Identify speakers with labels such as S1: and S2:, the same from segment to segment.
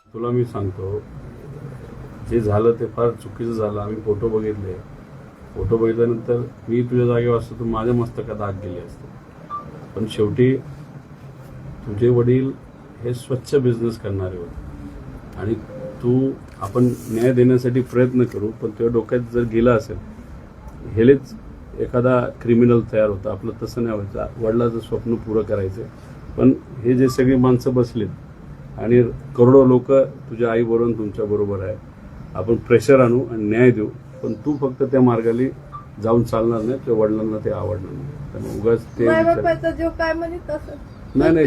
S1: तुला मी सांगतो, जे झालं ते फार चुकीचं झालं. आम्ही फोटो बघितले. फोटो बघितल्यानंतर मी तुझ्या जागेवर असतो तर माझ्या मस्तकात आग गेली असते. पण शेवटी तुझे वडील हे स्वच्छ बिझनेस करणारे होते आणि आपण न्याय देण्यासाठी प्रयत्न करू, पण तुझ्या डोक्यात जर गेला असेल हेलेच एखादा क्रिमिनल तयार होता. आपलं तसं नाही व्हायचं. वडिलाचं स्वप्न पुरं करायचं. पण हे जे सगळी माणसं बसलीत आणि करोडो लोक तुझ्या आईबरोबर तुमच्या बरोबर आहे, आपण प्रेशर आणू आणि न्याय देऊ. पण तू फक्त त्या मार्गाने जाऊन चालणार नाही. तुझ्या वडिलांना ते आवडणार नाही. त्यामुळे उगाच ते
S2: जो काय म्हणत
S1: नाही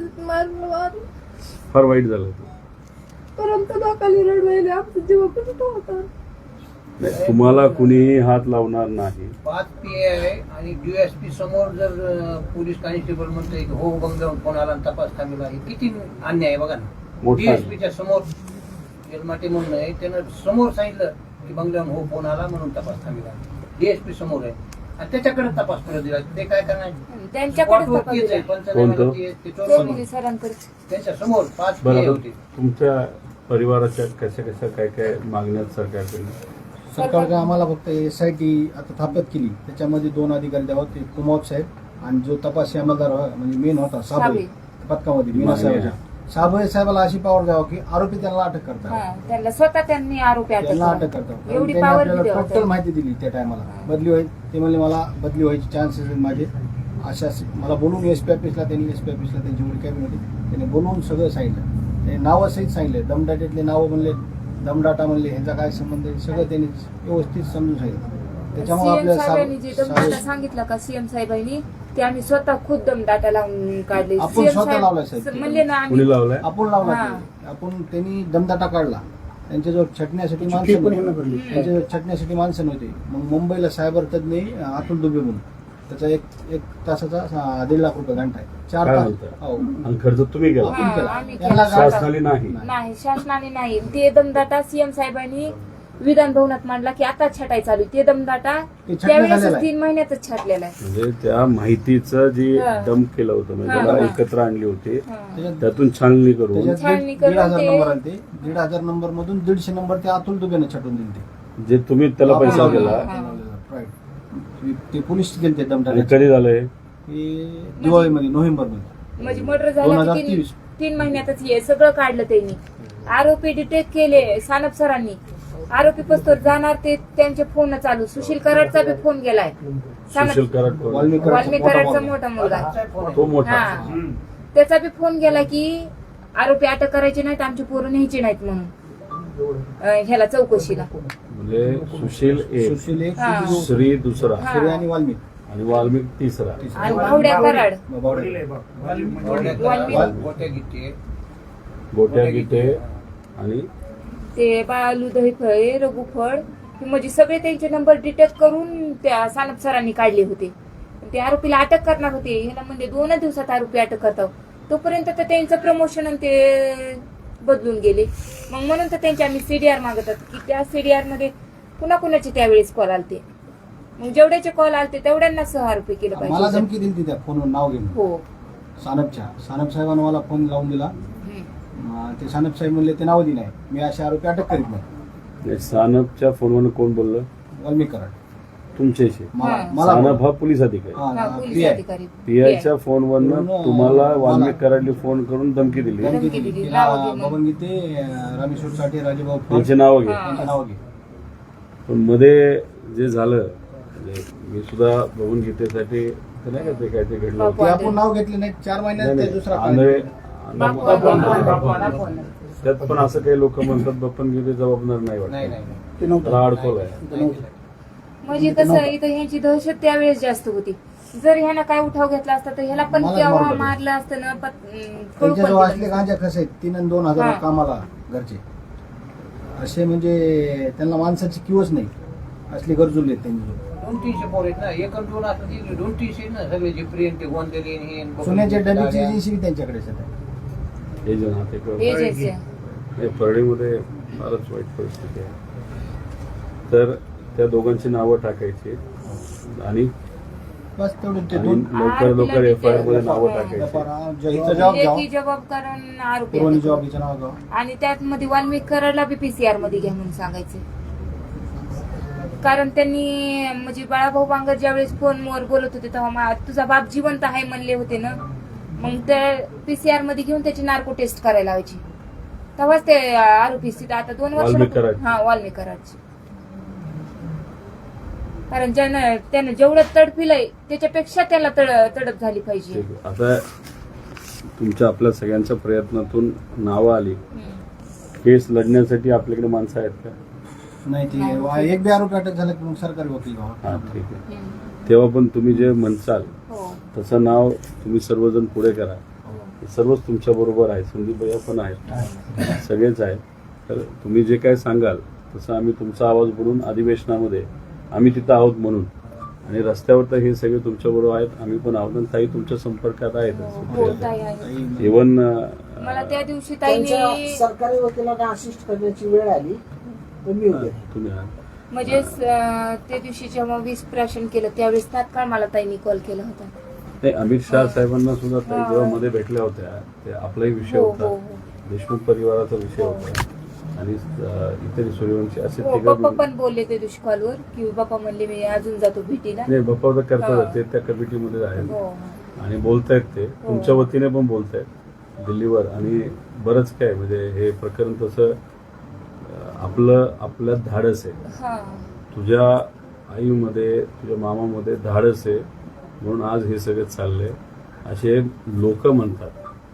S1: फार वाईट झालं ते.
S2: परंतु लोकांनी रडवायले आमचं जीव कुठं होता.
S1: नाही, तुम्हाला कुणीही हात लावणार नाही.
S3: 5 PI आणि DSP समोर जर पोलीस कॉन्स्टेबल म्हणतोय की हो बंगल्यावर फोन आला आणि तपास थांबला, हे किती अन्याय आहे बघा ना. DSPच्या समोर जन्माटे म्हणून आहे, त्यानं समोर सांगितलं की बंगल्यावर हो फोन आला म्हणून तपास थांबला. DSP समोर आहे आणि त्याच्याकडे तपास करत दिला. ते काय करणार? त्यांच्या समोर 5 PI होते.
S1: तुमच्या परिवाराच्या कशा काय काय मागण्या सरकारकडे?
S4: सरकारने आम्हाला फक्त SIT आता स्थापित केली, त्याच्यामध्ये 2 अधिकारी द्यावं. ते कुमार साहेब आणि जो तपासी अंमलदार म्हणजे मेन होता साबळे पथकामध्ये मीना साहेब, साबळे साहेबाला अशी पावर द्यावं की आरोपी त्यांना अटक करतात.
S5: त्यांना स्वतः त्यांनी आरोपी
S4: त्यांना अटक करतात.
S5: एवढी
S4: त्यांनी
S5: पावर
S4: आपल्याला टोटल माहिती दिली त्या टायमाला. बदली व्हायची ते म्हणले मला बदली व्हायची चान्सेस आहेत माझे. अशा मला बोलून SP ऑफिसला त्यांची एवढी कॅबिन होती, त्यांनी बोलवून सगळं सांगितलं. ते नावं सहित सांगितले. दमदाट्यातले नावं म्हणले, दमदाटा म्हणले, ह्यांचा काय संबंध आहे सगळं त्यांनी व्यवस्थित समजून सांगितलं. त्याच्यामुळे आपल्याला
S5: सांगितलं का CM साहेबांनी ते आम्ही स्वतः खुद दमदाटा लावून काढले.
S4: आपण स्वतः लावलाय साहेब.
S5: म्हणले ना
S1: कुणी लावलाय?
S4: आपण लावला. आपण त्यांनी दमदाटा काढला. त्यांच्याजवळ छटण्यासाठी माणसं नव्हती. त्यांच्याजवळ छटण्यासाठी माणसं नव्हती. मग मुंबईला सायबर तज्ञ अतुल दुबे म्हणून, त्याचा एक तासाचा 1.5 लाख रुपये घंटा आहे. 4 तास
S1: आणि खर्च तुम्ही केला? शासनाने
S5: नाही, शासनाने नाही. ते दमदाटा CM साहेबांनी विधान भवनात मांडला की आता छटाई चालू. ते दमदाटा त्यावेळेस 3 महिन्यातच छाटलेला आहे.
S1: म्हणजे त्या माहितीचं जे डंप केलं होतं, म्हणजे त्याला एकत्र आणली होती, त्यातून छाननी करून
S4: 1,500 नंबर आले. ते 1,500 नंबर मधून 150 नंबर ते अतुल दुबेने छटून दिले.
S1: जे तुम्ही त्याला पैसा दिला.
S4: ते पोलीस गेले ते दमदाटा.
S1: कधी झालंय?
S4: दिवाळीमध्ये, नोव्हेंबरमध्ये
S5: म्हणजे मर्डर झाला 3 महिन्यातच हे सगळं काढलं त्यांनी. आरोपी डिटेक्ट केले सानप सरांनी. आरोपी पस्तोर जाणार ते त्यांचे फोन चालू. सुशील कराडचा बी फोन गेलाय.
S1: सुशील कराड
S5: वाल्मिक कराडचा मोठा मुलगा,
S1: तो मोठा,
S5: त्याचा बी फोन गेला की आरोपी अटक करायचे नाहीत, आमची पोरं न्यायची नाहीत म्हणून ह्याला चौकशीला.
S1: म्हणजे सुशील एक, श्री दुसरा,
S4: श्री आणि
S1: वाल्मिक तिसरा,
S5: आणि भावड्या कराड,
S1: गोट्या गिटे आणि
S5: ते बालू दहीफळे, रघु फळ, म्हणजे सगळे त्यांचे नंबर डिटेक्ट करून त्या सानप सरांनी काढले होते. ते आरोपीला अटक करणार होते. ह्याला म्हणजे 2 दिवसात आरोपी अटक करतात. तोपर्यंत तर त्यांचं प्रमोशन आणि ते बदलून गेले. मग म्हणून तर त्यांचे आम्ही CDR मागतात की त्या CDR मध्ये कुणाकुणाचे त्यावेळेस कॉल आलते. मग जेवढ्याचे कॉल आलते तेवढ्यांना सह आरोपी केलं
S4: मला
S5: पाहिजे.
S4: धमकी दिली त्या फोनवर नाव घेऊन.
S5: हो,
S4: सानप साहेबांना मला फोन लावून दिला. ते सानप साहेब म्हणले ते नाव दिलं आहे, मी असे आरोपी अटक करीत नाही.
S1: सानपच्या फोनवर कोण बोललं?
S4: वाल्मिक कराड.
S1: तुमच्याशी?
S4: मला
S1: सानप हा पोलीस अधिकारी.
S5: पोलीस अधिकारी
S1: PIच्या फोनवरनं तुम्हाला वाल्मिक कराडली फोन करून धमकी दिली.
S4: बबन गीते, रामेश्वर साठे, राजेभाऊ
S1: त्यांचे नाव घे.
S4: त्यांचे नाव घे.
S1: पण मध्ये जे झालं, म्हणजे मी सुद्धा बघून गीतेसाठी नाही का ते काय ते घडलं
S4: ते आपण नाव घेतले नाही. 4 महिन्यात ते दुसरा
S1: त्यात पण असं काही लोक म्हणतात बप्पन गीते जबाबदार नाही वाटत, त्याला अडकवलं आहे.
S5: म्हणजे कसं इथं ह्यांची दहशत त्यावेळेस जास्त होती. जर ह्यानं काय उठाव घेतला असता तर ह्याला पण केव्हा मारलं असतं ना.
S4: त्यांच्याजवळ असले गांजा कसे आहेत 3 आणि 2,000 कामाला घरचे असे, म्हणजे त्यांना माणसाची किंवच नाही. असले गरजुले आहेत त्यांच्याजवळ.
S3: 200-300 पोर आहेत ना. 1 आणि 2 असं 200 ना सगळे जे प्रियन ते गोंदले
S4: सोन्याच्या डब्याची एजन्सी त्यांच्याकडे
S1: परळीमध्ये फारच वाईट परिस्थिती आहे. तर त्या दोघांची नावं टाकायची आणि
S4: बस तेवढं ते
S1: आणि
S4: दोन
S1: लवकर एफआयआर मध्ये नावं टाकायची.
S4: हिचं जबाब
S5: लेखी
S4: घ्यावं,
S5: जबाब करून आरोपी
S4: पुरवणी
S5: अटक.
S4: जबाब हिचं नाव घ्यावं.
S5: आणि त्यात मध्ये वाल्मिक कराडला बी PCR मध्ये घ्या म्हणून सांगायचं. कारण त्यांनी म्हणजे बाळाभाऊ बांगर ज्यावेळेस फोनवर बोलत होते तेव्हा तुझा बाप जिवंत आहे म्हणले होते ना, मग ते PCR मध्ये घेऊन त्याची नार्को टेस्ट करायला लावायची. तेव्हाच ते आरोपी स्थिती आता 2 वर्ष
S1: वाल्मिक कराड.
S5: हा वाल्मिक कराडची. कारण त्यानं जेवढं तडफिलंय त्याच्यापेक्षा त्याला तडप झाली पाहिजे.
S1: ठीक आहे. आता तुमच्या आपल्या सगळ्यांच्या प्रयत्नातून नावं आली. केस लढण्यासाठी आपल्याकडे माणसं आहेत का?
S4: नाही ते एक बी आरोपी अटक झाला की मग सरकारी वकील व्हावा.
S1: हा ठीक आहे. तेव्हा पण तुम्ही जे म्हणसाल
S5: हो
S1: तसं नाव तुम्ही सर्वजण पुढे करा. हे सर्वच तुमच्या बरोबर आहे. संदीप भैया पण आहेत, सगळेच आहेत. तर तुम्ही जे काय सांगाल तसं आम्ही तुमचा आवाज बोलून अधिवेशनामध्ये आम्ही तिथं आहोत म्हणून, आणि रस्त्यावर तर हे सगळे तुमच्या बरोबर आहेत, आम्ही पण आहोत. आणि ताई तुमच्या संपर्कात
S5: हो,
S1: आहेत
S5: ताई आहे.
S1: इव्हन
S5: मला त्या दिवशी
S2: त्यांच्या
S5: ताईने
S2: सरकारी वकिलांना असिस्ट करण्याची वेळ आली तर मी उभे आहे.
S1: तुम्ही आहात.
S5: म्हणजे त्या दिवशी जेव्हा विस्प्राशन केलं त्यावेळेस तात्काळ मला ताईने कॉल केला होता.
S1: नाही, अमित शहा साहेबांना सुद्धा ताई जेव्हा मध्ये भेटल्या होत्या ते आपलाही विषय
S5: हो,
S1: होता,
S5: हो,
S1: देशमुख परिवाराचा विषय होता, आणि इतर सूर्यवंशी असे
S5: हो,
S1: तिघं
S5: पप्पा पण बोलले त्या दिवशी कॉलवर की बाप्पा म्हणले मी अजून जातो भेटीला.
S1: नाही, बाप्पा तर करतात,
S5: हा.
S1: ते त्या कमिटीमध्ये आहेत
S5: हो
S1: आणि बोलतायत. ते तुमच्या वतीने पण बोलतायत दिल्लीवर. आणि बरंच काय म्हणजे हे प्रकरण तसं आपल्यात धाडस आहे.
S5: हा
S1: तुझ्या आईमध्ये तुझ्या मामामध्ये धाडस आहे म्हणून आज हे सगळं चाललंय असे लोक म्हणतात.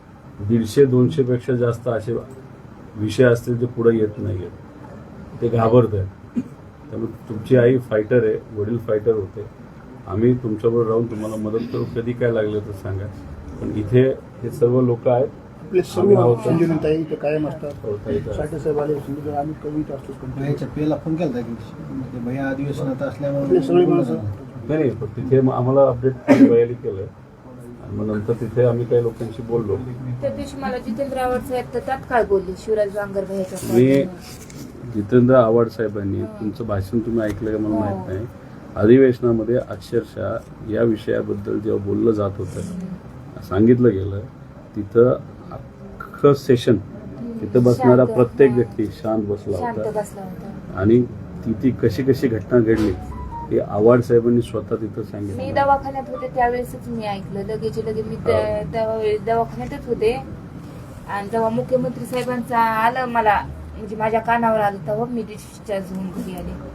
S1: 150-200 पेक्षा जास्त असे विषय असतील जे पुढे येत नाहीयेत, ते घाबरत आहेत. त्यामुळे तुमची आई फायटर आहे, वडील फायटर होते. आम्ही तुमच्याबरोबर राहून तुम्हाला मदत करू, कधी काय लागलं तर सांगा. पण इथे हे सर्व लोक आहेत.
S6: आपले
S1: आम्ही
S6: सर्व
S1: आहोत.
S6: संजीवनीताई इथे कायम असतात.
S1: हो, ताई तर.
S6: साठे साहेब आले संजीवनी, आम्ही कवीत असतो.
S4: भैयाच्या पेला फोन केला की भैया अधिवेशनात
S6: आपले
S4: असल्यामुळे
S6: सगळे माणसं
S1: नाही, पण तिथे मग आम्हाला अपडेट बयाली केलं आणि मग नंतर तिथे आम्ही काही लोकांशी बोललो.
S5: त्या दिवशी मला जितेंद्र आव्हाड साहेब तर तात्काळ बोलले शिवराज बांगर भैयाच्या
S1: मी
S5: call.
S1: जितेंद्र आव्हाड साहेबांनी तुमचं भाषण तुम्ही ऐकलं का मला माहित नाही. अधिवेशनामध्ये अक्षरशः या विषयाबद्दल जेव्हा बोललं जात होतं, सांगितलं गेलं, तिथं अख्खं सेशन तिथं बसणारा
S5: शांत,
S1: प्रत्येक
S5: हा.
S1: व्यक्ती शांत बसला
S5: शांत
S1: होता.
S5: बसला होता.
S1: आणि ती कशी घटना घडली हे आव्हाड साहेबांनी स्वतः तिथं
S5: मी
S1: सांगितलं.
S5: दवाखान्यात होते त्यावेळेसच मी ऐकलं. लगेच मी त्यावेळेस दवाखान्यातच होते. आणि जेव्हा मुख्यमंत्री साहेबांचा आलं मला म्हणजे माझ्या कानावर आलं तेव्हा मी डिस्चार्ज होऊन घरी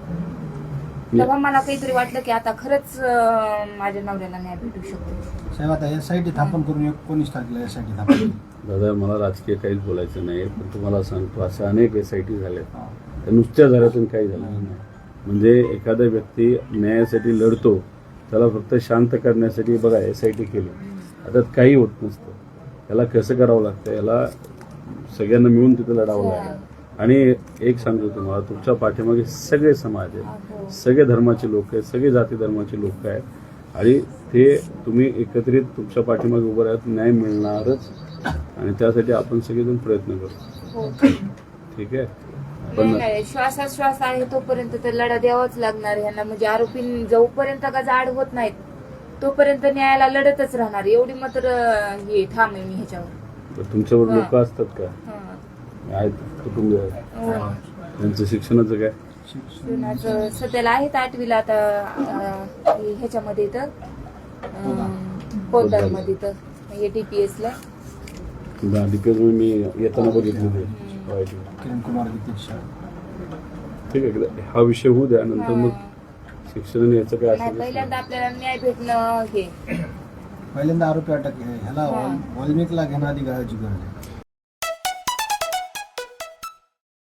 S5: आले. तेव्हा मला काहीतरी वाटलं की आता खरंच माझ्या नवऱ्याला न्याय भेटू शकतो.
S4: साहेब आता एसआयटी स्थापन करून 19 तारखेला एसआयटी स्थापन केली.
S1: दादा, मला राजकीय काहीच बोलायचं नाही, पण तुम्हाला सांगतो असं अनेक SIT झाले, त्या नुसत्या झाल्यातून काही झालं नाही. म्हणजे एखादा व्यक्ती न्यायासाठी लढतो, त्याला फक्त शांत करण्यासाठी बघा SIT केली, आता काही होत नसतं. याला कसं करावं लागतं, याला सगळ्यांना मिळून तिथं लढावं लागेल. आणि एक सांगतो तुम्हाला, तुमच्या पाठीमागे सगळे समाज आहेत, सगळे धर्माचे लोक आहेत, सगळे जाती धर्माचे लोक आहेत, आणि ते तुम्ही एकत्रित तुमच्या पाठीमागे उभं राहत, न्याय मिळणारच. आणि त्यासाठी आपण सगळेजण प्रयत्न करू.
S5: हो.
S1: ठीक आहे. पण
S5: नाही, श्वास आहे तोपर्यंत तर लढा द्यावाच लागणार यांना. म्हणजे आरोपी जोपर्यंत का जाड होत नाहीत तोपर्यंत न्यायाला लढतच राहणार. एवढी मात्र हे ठाम आहे मी ह्याच्यावर.
S1: तुमच्यावर लोक असतात का?
S5: हा.
S1: आहेत, कुटुंब आहेत,
S5: हो.
S1: त्यांचं शिक्षणाचं काय?
S5: शिक्षणाचं सध्याला आहेत 8वीला आता ह्याच्यामध्ये तर पोलदारमध्ये तर DPS ला.
S1: DPS मी येताना बघितलं ते.
S4: किरण कुमार गीतेश.
S1: ठीक आहे, हा विषय होऊ द्या, नंतर मग शिक्षण याचं काय
S5: नाही,
S1: असेल.
S5: पहिल्यांदा आपल्याला न्याय भेटणं हे
S4: पहिल्यांदा आरोपी अटक ह्याला वाल्मिकला घेणं आधी गरज आहे.